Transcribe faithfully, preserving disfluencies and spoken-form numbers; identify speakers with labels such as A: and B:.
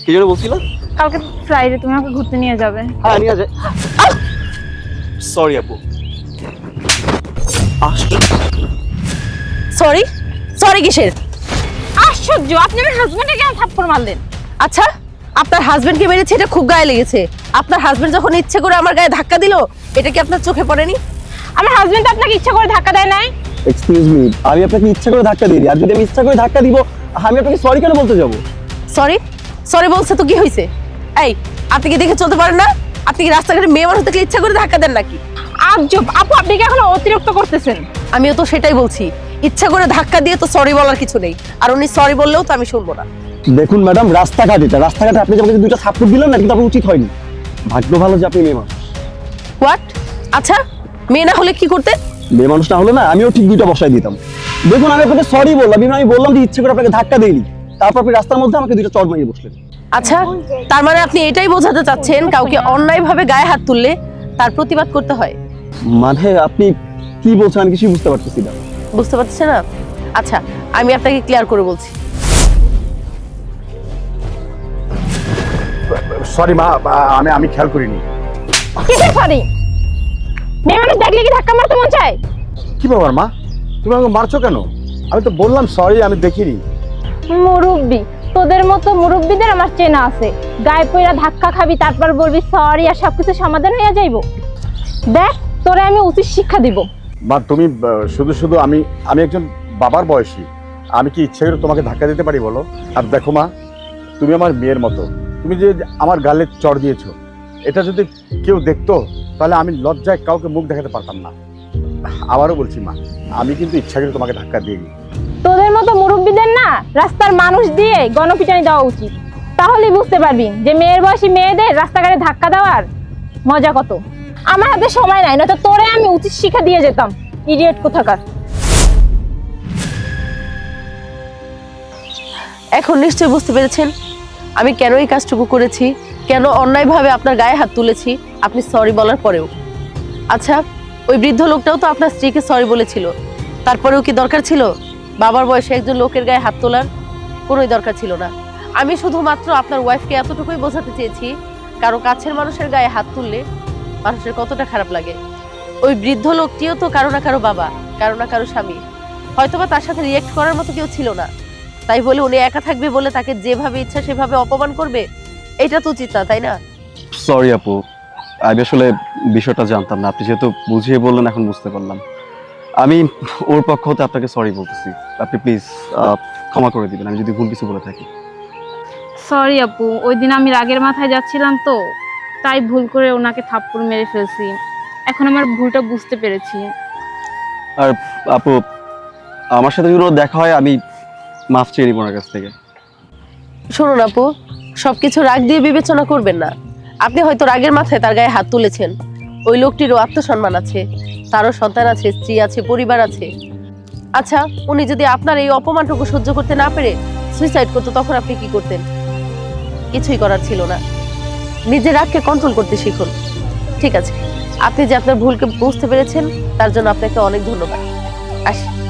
A: কি জন্য বলছিলা?
B: কালকে ফ্রাইডে তুমি আমাকে ঘুরতে নিয়ে যাবে।
A: হ্যাঁ নিয়ে যাই। সরি আপু।
C: সরি সরি কিসের?
B: আশ্চর্য, আপনি আমার হাজবেন্ডকে কেন থাপ্পড় মারলেন?
C: আচ্ছা, আপনার হাজবেন্ডকে মেরেছে এটা খুব গায়ে লেগেছে। আপনার হাজবেন্ড যখন ইচ্ছে করে আমার গায়ে ধাক্কা দিল, এটা কি আপনার চোখে পড়েনি?
B: আমার হাজবেন্ড আপনাকে ইচ্ছা করে ধাক্কা দেয় নাই।
A: এক্সকিউজ মি, আমি আপনাকে ইচ্ছা করে ধাক্কা দিই, আর যদি আমি ইচ্ছা করে ধাক্কা দিব আমি আপনাকে সরি কেন বলতে যাব?
C: সরি সরি বলছে তো কি হয়েছে? এই, আপনি কি দেখে চলতে পারেন না? আপনি কি রাস্তাঘাটে মেয়ে মানুষ দেখলে ইচ্ছা করে ধাক্কা দেন নাকি?
B: আজব আপু, আপনি কি এখন অতিরিক্ত করতেছেন?
C: আমিও তো সেটাই বলছি, ইচ্ছা করে ধাক্কা দিয়ে তো সরি বলার কিছু নেই, আর উনি সরি বললেও তো আমি শুনবো না।
A: দেখুন ম্যাডাম, রাস্তাঘাট এটা, রাস্তাঘাটে আপনি আমাকে দুইটা থাপ্পড় দিলেন না, কিন্তু আপনার উচিত হয়নি। ভাগ্য ভালো যে আপনি মেয়ে মানুষ।
C: হোয়াট? আচ্ছা, মেয়ে না হলে কি করতে?
A: মেয়ে মানুষ না হলে না আমিও ঠিক দুইটা বসাই দিতাম। দেখুন আমি আপনাকে সরি বললাম, আমি বললাম যে ইচ্ছে করে আপনাকে ধাক্কা দেইনি, তারপর আপনি রাস্তার মধ্যে আমাকে দুইটা চড় মারিয়ে বসলেন।
C: আচ্ছা, তার মানে আপনি এটাই বোঝাতে চাচ্ছেন কাউকে অন্যায়ভাবে গায়ে হাত তুললে তার প্রতিবাদ করতে হয়?
A: মানে আপনি কি বলছেন আমি কিছুই বুঝতে পারতেছি না।
C: বুঝতে পারছেন না? আচ্ছা, আমি আপনাকে ক্লিয়ার করে বলছি।
D: সরি মা, আমি আমি খেয়াল করিনি।
B: কিসের সরি? মেয়ে মানুষ দেখলে কি ধাক্কা মারতে মন চায়?
D: কি ব্যাপার মা, তুমি আমাকে মারছো কেন? আমি তো বললাম সরি, আমি দেখিনি।
B: মুরব্বি, তোদের মতো মুরব্বিদের আমার চেনা আছে। গায়ে পয়রা ধাক্কা খাবি, তারপর বলবি সরি, আর সবকিছু সমাধান হয়ে যাইব। দেখ, তোরে আমি উচিত শিক্ষা দিব।
D: মা তুমি আহ, শুধু শুধু আমি আমি একজন বাবার বয়সী, আমি কি ইচ্ছে করে তোমাকে ধাক্কা দিতে পারি বলো? আর দেখো মা, তুমি আমার মেয়ের মতো, তুমি যে আমার গালে চড় দিয়েছো, এটা যদি কেউ দেখতো তাহলে আমি লজ্জায় কাউকে মুখ দেখাতে পারতাম না। আবারও বলছি মা, আমি কিন্তু ইচ্ছা করে তোমাকে ধাক্কা দিইনি।
B: তোদের মতো মুরব্বিদের না রাস্তার মানুষ দিয়ে গণপিটানি দেওয়া উচিত, তাহলেই বুঝতে পারবি যে মেয়ের বয়সী মেয়েদের রাস্তাঘাটে ধাক্কা দেওয়ার মজা কত। আমার হাতে সময় নাই, নয়তো তোরে আমি উচিত শিক্ষা দিয়ে যেতাম। ইডিয়েট কোথাকার।
C: এখন নিশ্চয়ই বুঝতে পেরেছেন আমি কেন এই কাজটুকু করেছি, কেন অন্যায়ভাবে আপনার গায়ে হাত তুলেছি আপনি সরি বলার পরেও। আচ্ছা, ওই বৃদ্ধ লোকটাও তো আপনার স্ত্রীকে সরি বলেছিল, তারপরেও কি দরকার ছিল বাবার বয়সে একজন লোকের গায়ে হাত তোলার? কোনোই দরকার ছিল না। আমি শুধুমাত্র আপনার ওয়াইফকে এতটুকুই বোঝাতে চেয়েছি, কারো কাছের মানুষের গায়ে হাত তুললে মানুষের কতটা খারাপ লাগে। ওই বৃদ্ধ লোকটিও তো কারো না কারো বাবা, কারো না কারো স্বামী, হয়তোবা তার সাথে রিয়েক্ট করার মতো কেউ ছিল না, তাই বলে উনি একা থাকবে বলে তাকে যেভাবে ইচ্ছা সেভাবে অপমান করবে? এটা তো উচিত না, তাই না?
A: সরি আপু, আমি আসলে বিষয়টা জানতাম না, আপনি যেহেতু বুঝিয়ে বললেন এখন বুঝতে পারলাম। আমি ওর পক্ষ হতে আপনাকে সরি বলতেছি, আপনি প্লিজ ক্ষমা করে দিবেন আমি যদি ভুল কিছু বলে থাকি।
B: সরি আপু, ওই দিন আমি রাগের মাথায় যাচ্ছিলাম তো, তাই ভুল করে ওনাকে থাপ্পড় মেরে ফেলছি। এখন আমার ভুলটা বুঝতে পেরেছি।
A: আর আপু, আমার সাথে যদি ওর দেখা হয় আমি মাফ চেয়ে নিব ওনার কাছ থেকে।
C: শুনুন আপু, সবকিছু রাগ দিয়ে বিবেচনা করবেন না। আপনি হয়তো রাগের মাথায় তার গায়ে হাত তুলেছেন, ওই লোকটিরও আত্মসম্মান আছে, তারও সন্তান আছে, স্ত্রী আছে, পরিবার আছে। আচ্ছা, উনি যদি আপনার এই অপমানটুকু সহ্য করতে না পেরে সুইসাইড করতো, তখন আপনি কি করতেন? কিছুই করার ছিল না। নিজের রাগকে কন্ট্রোল করতে শিখুন। ঠিক আছে, আপনি যে আপনার ভুলকে বুঝতে পেরেছেন তার জন্য আপনাকে অনেক ধন্যবাদ। আসি।